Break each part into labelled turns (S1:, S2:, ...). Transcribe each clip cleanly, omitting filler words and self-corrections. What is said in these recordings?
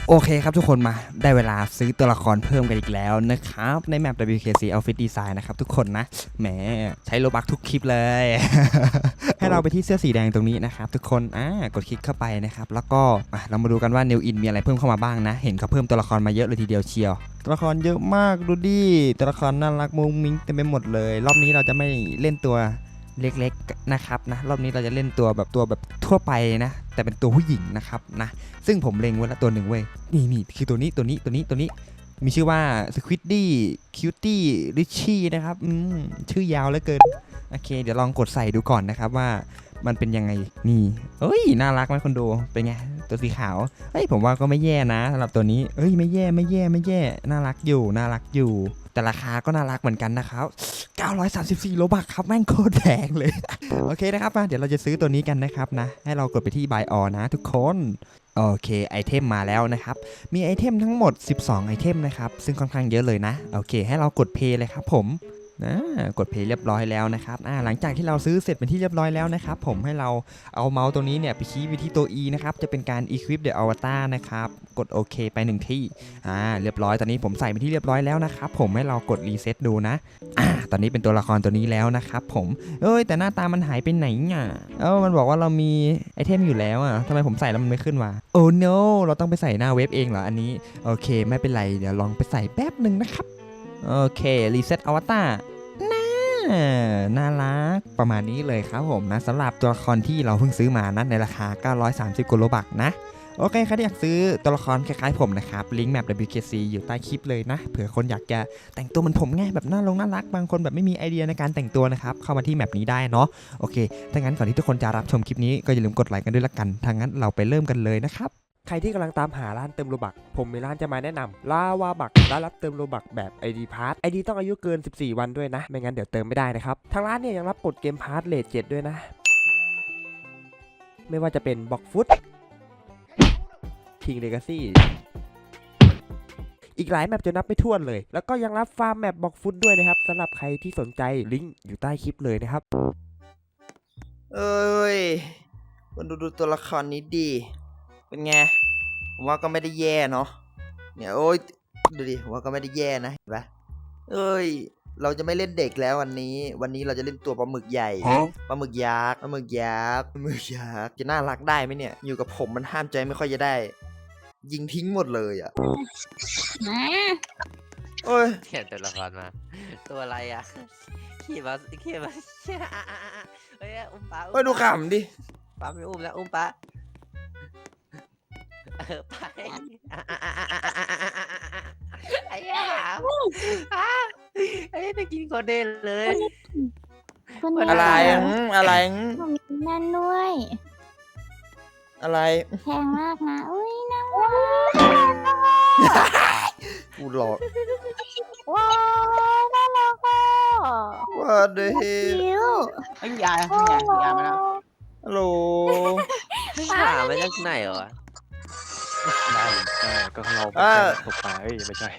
S1: โอเคครับทุกคนมาได้เวลาซื้อตัวละครเพิ่มกันอีกแล้วนะครับในแมป WKC Outfit Design นะครับทุกคนนะแหมใช้โลบัคทุกคลิปเลย ให้เราไปที่เสื้อสีแดงตรงนี้นะครับทุกคนกดคลิกเข้าไปนะครับแล้วก็เรามาดูกันว่า New In มีอะไรเพิ่มเข้ามาบ้างนะเห็นเขาเพิ่มตัวละครมาเยอะเลยทีเดียวเชียวตัวละครเยอะมากดูดิตัวละครน่ารักมุ้งมิ้งเต็มไปหมดเลยรอบนี้เราจะไม่เล่นตัวเล็กๆนะครับนะรอบนี้เราจะเล่นตัวแบบทั่วไปนะแต่เป็นตัวผู้หญิงนะครับนะซึ่งผมเล็งไว้แล้วตัวหนึ่งเว้ยนี่คือตัวนี้มีชื่อว่า Squiddy Cutie Richie นะครับชื่อยาวเหลือเกินโอเคเดี๋ยวลองกดใส่ดูก่อนนะครับว่ามันเป็นยังไงนี่เอ้ยน่ารักไหมคนดูเป็นไงตัวสีขาวเฮ้ยผมว่าก็ไม่แย่นะสำหรับตัวนี้เอ้ยไม่แย่น่ารักอยู่แต่ราคาก็น่ารักเหมือนกันนะครับ934โลบัคครับแม่งโคตรแพงเลย โอเคนะครับมาเดี๋ยวเราจะซื้อตัวนี้กันนะครับนะให้เรากดไปที่ Buy All นะทุกคนโอเคไอเทมมาแล้วนะครับมีไอเทมทั้งหมด12ไอเทมนะครับซึ่งค่อนข้างเยอะเลยนะโอเคให้เรากด Pay เลยครับผมกด Pay เรียบร้อยแล้วนะครับหลังจากที่เราซื้อเสร็จเป็นที่เรียบร้อยแล้วนะครับผมให้เราเอาเมาส์ตัวนี้เนี่ยไปชี้ไปที่ตัว E นะครับจะเป็นการ Equip the Avatar นะครับกดโอเคไป1ที่เรียบร้อยตอนนี้ผมใส่ไปที่เรียบร้อยแล้วนะครับผมให้เรากด Reset ดูนะตอนนี้เป็นตัวละครตัวนี้แล้วนะครับผมแต่หน้าตามันหายไปไหนอ่ะมันบอกว่าเรามีไอเทมอยู่แล้วอ่ะทำไมผมใส่แล้วมันไม่ขึ้นวะโอ้ no เราต้องไปใส่หน้าเว็บเองเหรออันนี้โอเคไม่เป็นไรเดี๋ยวลองไปใส่แป๊บหนึ่งนะครับโอเครีเซ็ตอวตารน่ารักประมาณนี้เลยครับผมนะสำหรับตัวละครที่เราเพิ่งซื้อมานะในราคา930 โลบัคนะโอเคใครที่อยากซื้อตัวละครคล้ายๆผมนะครับลิงก์แมป WKC อยู่ใต้คลิปเลยนะเผื่อคนอยากจะแต่งตัวเหมือนผมไงแบบน่ารักบางคนแบบไม่มีไอเดียในการแต่งตัวนะครับเข้ามาที่แมปนี้ได้เนาะโอเคถ้างั้นก่อนที่ทุกคนจะรับชมคลิปนี้ก็อย่าลืมกดไลค์กันด้วยละกันถ้างั้นเราไปเริ่มกันเลยนะครับใครที่กำลังตามหาร้านเติมโลบัคผมมีร้านจะมาแนะนำลาวาบักร้านรับเติมโลบัคแบบ ID Pass ID ต้องอายุเกิน14วันด้วยนะไม่งั้นเดี๋ยวเติมไม่ได้นะครับทางร้านเนี่ยยังรับกดเกมพาร์ทเลท7ด้วยนะไม่ว่าจะเป็นบ็อกฟุตคิงเลกาซี่อีกหลายแมปจะนับไม่ถ้วนเลยแล้วก็ยังรับฟาร์มแมปบ็อกฟุตด้วยนะครับสำหรับใครที่สนใจลิงก์อยู่ใต้คลิปเลยนะครับ
S2: คนดูตัวละครนี้ดีเป็นไงผมว่าก็ไม่ได้แย่เนาะเนี่ยดูดิผมว่าก็ไม่ได้แย่นะเห็นปะเราจะไม่เล่นเด็กแล้ววันนี้เราจะเล่นตัวปลาหมึกใหญ่ปลาหมึกยักษ์จะน่ารักได้ไหมเนี่ยอยู่กับผมมันห้ามใจไม่ค่อยจะได้ยิงทิ้งหมดเลยอ่ะ
S3: เขียนตัวละครมาตัวอะไรอ่ะขี่มาเฮ้ยอุ้มปลา
S2: ดูขำดิ
S3: ปลาไม่อุ้มแล้วอุ้มปลาไปไอ้ยาไอ้ไปกินโคเดนเลย
S2: อะไร
S4: นั่นด้วย
S2: อะไร
S4: แพงมากนะอุ้ยน่า
S2: กูหลอก
S4: ว้าวน่ารักอ่ะ
S2: ว่าเด้
S4: ไอ้
S5: ยามาแล้ว
S2: ฮัลโหล
S3: หามาจากไหนวะ
S6: ได้ก็เราตกปลาไม่ใช่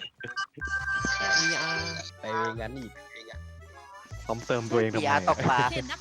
S2: ไปงั้นอีก
S6: ซ้อมเติมตัวเองทำไม
S3: ตกปลา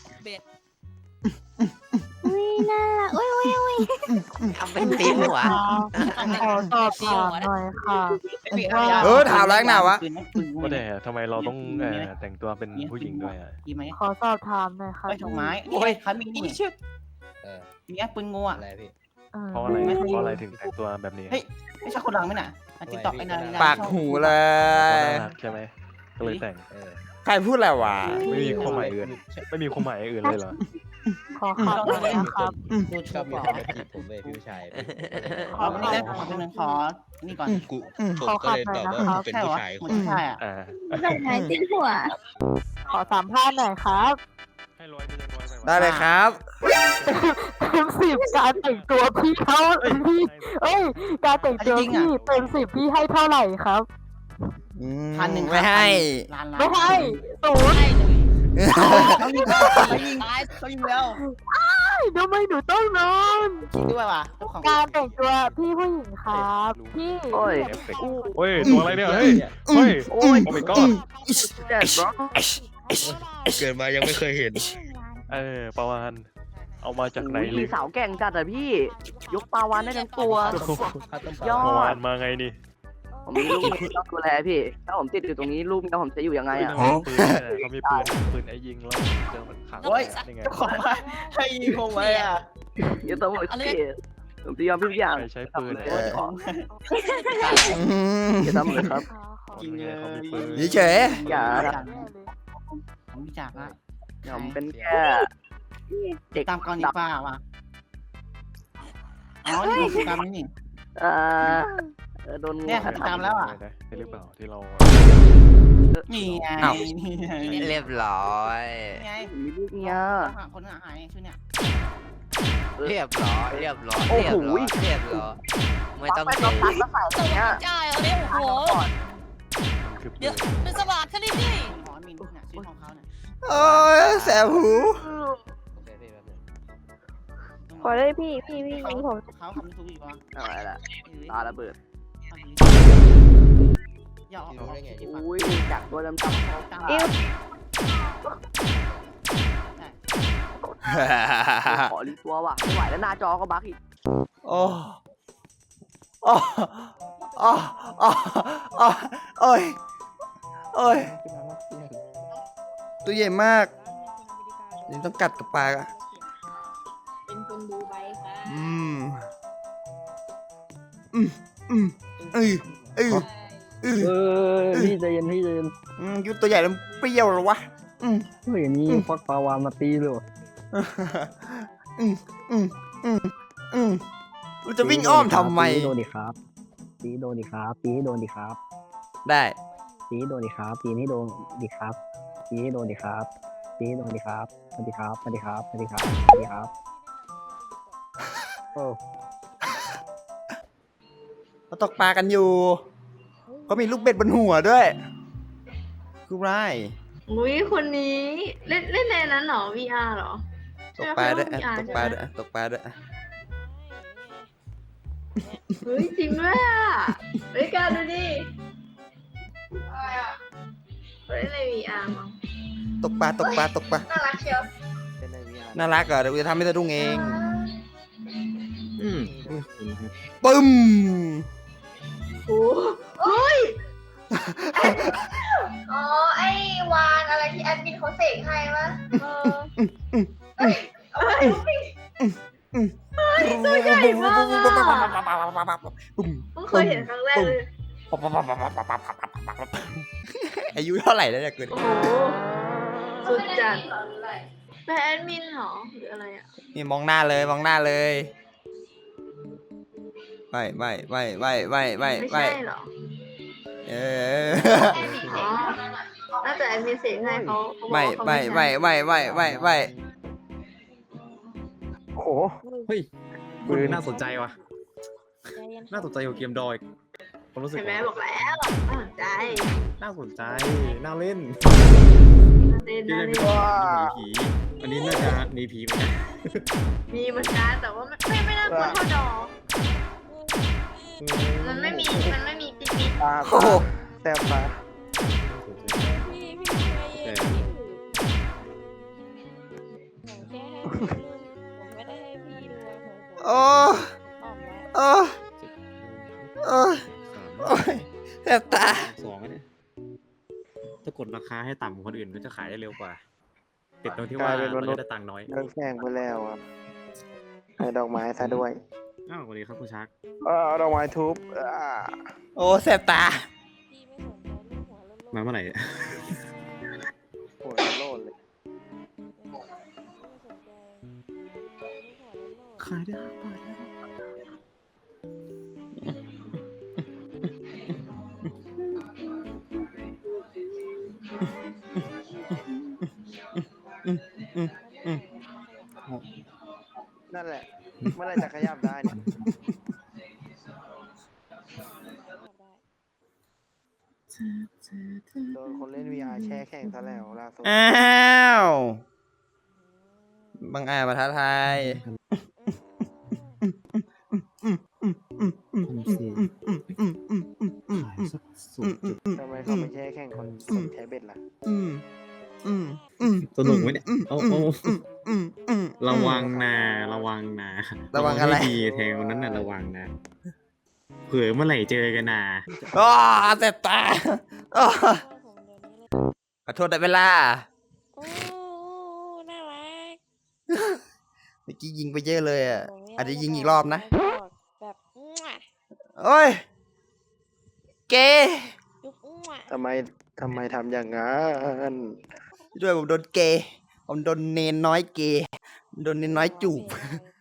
S4: อุ้ยน่ารักอุ้ย
S3: ทำเป็นตีหัว
S4: ขอสอบถามหน่อยค่ะ
S2: ถามแรงหนาวะ
S6: ว่าแต่ทำไมเราต้องแต่งตัวเป็นผู้หญิงด้วย
S4: ขอสอบถามหน่อยค่ะ
S5: ดอกไม้โอ้ยคันมีนี่นี่ปืนงูอ่ะ
S6: เพราะอะไรถึงแต่งตัวแบบนี้
S5: เฮ้ยไม่ใช่คนหลังไหมน่ะติ๊กต็อกไอ้นาย
S2: ปากหูเลย
S6: ใช่ไหมก็เลยแต่ง
S2: ใครพูดอะไรวะ
S6: ไม่มีความหมายอื่นเลยเหรอ
S4: ขอขับเลยนะครับ
S2: ชอบมีคนมาจีบผมเลยพี่ผู้ชาย
S5: ขอนี่นะขอนี่ก่อน
S4: ขอขับหน่อยนะครับ
S5: เป็นผู้ชายอ่ะ
S4: ไหนติ๊กหัวขอสัมภาษณ์หน่อยครับ
S2: ได้เลยครับ
S4: เต็ม10การแต่งตัวพี่การแต่งตัวพี่เต็ม10พี่ให้เท่าไหร่ครับ
S5: 1,000
S2: ไม่ให้
S4: 0
S5: เขายิงแล้ว
S4: ทำไมหนูต้องนอน
S5: คิดด้วยว่ะ
S4: การแต่งตัวพี่ผู้หญิงครับพี่
S6: ตัวอะไรเนี่ยโอ้ my god
S2: เกิดมายังไม่เคยเห็น
S6: ประมาณเอามาจากไหน
S5: อุ้ย
S6: เลย
S5: สาวแก่งจัดอะพี่ ยกปลาวานได้ทั้งตัว ยอ
S6: เมื่อวา
S5: ด
S6: นมาไงนี่
S5: ผมมีลูกเมียต้องดูแลพี่ ถ้าผมติดอยู่ตรงนี้ลูกเมียผมจะอยู่ยังไงอะ
S6: เขามีปืนไอ้ยิงแล้วเจอมันขังยังไง
S3: ของมาให้ยิงผมไว้อ่ะ
S5: อย่าต้องหมดพี่ผมจะยอมทุกอย่าง
S6: ใช้ปืน
S5: อย่าทำเลยครับ
S3: จริงเลย
S2: เฉย
S5: อย่า
S3: ผมรู้จักละ
S5: ผมเป็นแค่เด็ก
S3: ตามกรณีป้าว่ะอ๋อนี่คือตามนี่
S5: เอ่อโดนงู
S3: เนี่ยตามแล้วอ่ะ
S6: ใช่หรือเปล่าที่เรา
S3: นี่ไงนี่ไง
S7: เรียบร้อย
S3: ไง
S5: มีลูกเมีย
S3: คนหายชื่อเนี่ย
S7: เรียบร้อยเรียบร้อย
S5: โอ้
S7: เรีย
S5: โห
S7: บร้อยเรียบร้อยไม่ต้อง
S5: ไป
S7: เจ
S5: ต้องตัดแล้วใส่อย่างเงี้ย
S8: จ่ายเอาเนี่ยโอ้โห
S6: คือ
S8: เดี๋ยวเป็นสวัสดิ์แค่นี้ดิ
S3: หมอมินเนี่ยชื่อของเขาเนี่ย
S2: โอ้ยแสบหู
S4: ขอได้พี่ยิงผม
S3: เขาคำถูกอีกวะ
S5: อะไรล่ะตาระเบิด
S3: อย่าออกได้ไง
S5: อุ้ยจากตัวดำๆเขา
S3: อิ้ว
S5: ขอรีตัวว่ะไม่ไหวแล้วหน้าจอก็บั๊กอีก
S2: โอ้โอ้โอ้โอ้โอ้โอ้ยโอ้ยตัวใหญ่มากนี่ต้องกัดกับปากอ่ะ
S8: เป็นคนดูใบค่ะ
S2: อืมเอ้ย
S9: พี่ใจเย็นพี่ใจเย็น
S2: ยุดตัวใหญ่แล้วเปรี้ยวเหรอวะ
S9: เฮ้ยนี่ควักปลาวานมาตีเลย
S2: เราจะวิ่งอ้อมทำไม
S9: ตีโดนดิครับตีโดนดิครับตีให้โดนดิครับ
S2: ได้
S9: ตีให้โดนดิครับตีให้โดนดิครับตีให้โดนดิครับตีให้โดนดิครับสวัสดีครับสวัสดีครับสวัสดีครับสวัสดีครับโอ้
S2: เราตกปลากันอยู่เขามีลูกเบ็ดบนหัวด้วยคือไร
S10: อุ้ยคนนี้เล่นในนั้นเหรอ VR เหรอ
S2: ตกปลาด้วย
S10: ใช่
S2: ตกปลาด้วยตกปลาด้วย
S10: เฮ้ยจริงด้วยอ่ะเฮ้ยการดูดิอะไรอ่ะเล่นใน VR มั้ง
S2: ตกปลาตกปลาตกปลา
S10: น่ารักเชียว
S2: น่ารักเหรอเดี๋ยวกูจะทำให้สะดุ้งเอง
S9: อืม
S2: ปึ้ม
S10: โอ้โอ้ยอ๋อไอ้วานอะไรที่แอดมินเขาเสกให้ปะตัวใหญ่มากอ่ะเพิ่งเคยเห็นครั้งแรกเลย
S2: อายุเท่าไหร่แล้วเนี่ยเกิด
S10: โอ้โหสุดจัดเป็นแอดมินเหรอหรืออะไรอ่ะ
S2: นี่มองหน้าเลยมองหน้าเลยไม่
S10: ใช่เหรอ
S2: เออ
S10: อ๋อน่าจะแอดมินเสกให้เขา
S2: ไม่
S9: โหเฮ้ยปืนน่าสนใจว่ะน่าสนใจกว่าเกมดอยผมรู้สึก
S10: เห็นไหมบอกแล้วน่าสนใจ
S9: น่าสนใจน่าเล่น
S10: เล่น
S9: ที่
S10: นะ
S9: เล่น
S10: เล่น
S9: ผีอันนี้น่าจะหนีผีเหมือนกัน
S10: มีเหมือนกันแต่ว่าไม่น่ากลัวเท่าดอมันไม่มีปิ๊ด
S2: โอ้โห
S5: แซ่บปะ
S9: แต่
S2: โอ้โอ้โอ้โอ้ยแสบตา
S9: สองเนี่ยถ้ากดราคาให้ต่ำกว่าคนอื่นก็จะขายได้เร็วกว่าติดตรงที่ว่าเราจะได้ตังค์น้อย
S5: โดนแซงไปแล้วอ่ะให้ดอกไม้ซะด้วย
S9: อ้าวสวัสดีครับคุณชัก
S5: เอาดอกไม้ทุบ
S2: โอ้แสบตา
S9: มาเมื่อไหร่
S5: หัวโลนเลย
S9: ขายได้5 บาทแล้ว
S5: นั่นแหละเมื่อไรจะขยับได้เนี่ยโดนคนเล่น VR แช่แข่งซะแล้วล่าสุด
S2: อ้าวบางอาจมาท้าทาย
S9: ขายสักสุด
S5: ทำไมเขาไม่แช่แข่งคนใช้เบ็ดล่ะ
S9: สนุกไหมเนี่ยเอาระวังนะระวังนะ
S2: ระวังอะไร
S9: ให้ดีแทงคนนั้นน่ะระวังนะเผื่อเมื่อไหร่เจอกันนะ
S2: อ้าเจ็บตาอ้าขอโทษได้เวลา
S8: โอ้น่ารัก
S2: เมื่อกี้ยิงไปเยอะเลยอ่ะ อาจจะยิงอีกรอบนะ
S8: แบบมั่ว
S2: โอ้ย เกย์
S8: ยุกมั่ว
S6: ทำไมทำอย่างนั้น
S2: ด้วยผมโดนเกย์ผมโดนเนนน้อยเกย์โดนเนนน้อยจูบ